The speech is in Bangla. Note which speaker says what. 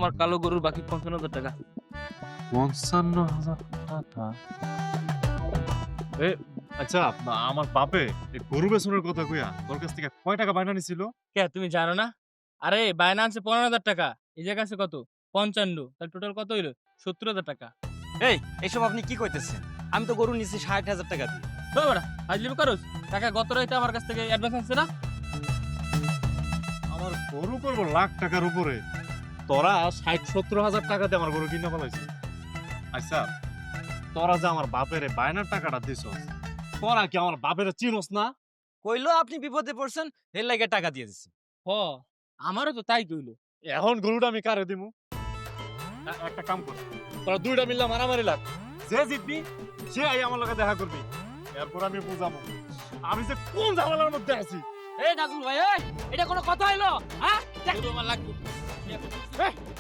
Speaker 1: আমার কালো গরুর বাকি ৫৫,০০০ টাকা।
Speaker 2: ৫৫,০০০ টাকা? এ আচ্ছা, আমার বাপে এই গরু বেচনের কথা কইয়া তোর কাছ থেকে কয় টাকা বায়না নিছিল?
Speaker 1: কে তুমি জানো না? আরে বায়না আনছে ১৫,০০০ টাকা। এই জায়গা আছে কত? ৫৫। তাহলে টোটাল কত হইলো? ৭০,০০০ টাকা।
Speaker 3: এই এসব আপনি কি কইতেছেন? আমি তো গরু নিছি ৬০,০০০ টাকা দিয়ে।
Speaker 1: ওই বেটা, ফাজলিমি করস? টাকা গত রাইতে আমার কাছ থেকে অ্যাডভান্স আনছে না?
Speaker 2: আমার গরু করবো লাখ টাকার উপরে, তোরা ৬০-৭০ হাজার টাকা দিয়ে আমার গরু কিনে ফেলাইছিস। আচ্ছা, তোরা যে আমার বাপের বায়নার টাকাটা দিছস, তোরা কি আমার বাপের চিনস না?
Speaker 3: কইলো আপনি বিপদে পড়ছেন, এর লাগে টাকা দিয়ে দিছি।
Speaker 1: হ, আমারও তো তাই কইলো।
Speaker 2: এখন গরুটা আমি কারে দিমু? একটা কাম কর, তোরা দুইটা মিললে মারামারি লাগ, যে জিতবি সে আই আমার লগে দেখা করবি, এরপর আমি বুঝাবো আমি যে কোন ঝামেলার মধ্যে আছি।
Speaker 1: এই নাজমুল ভাই, এই এটা কোনো কথা হইলো? হ্যাঁ? গরু আমার লাগবে।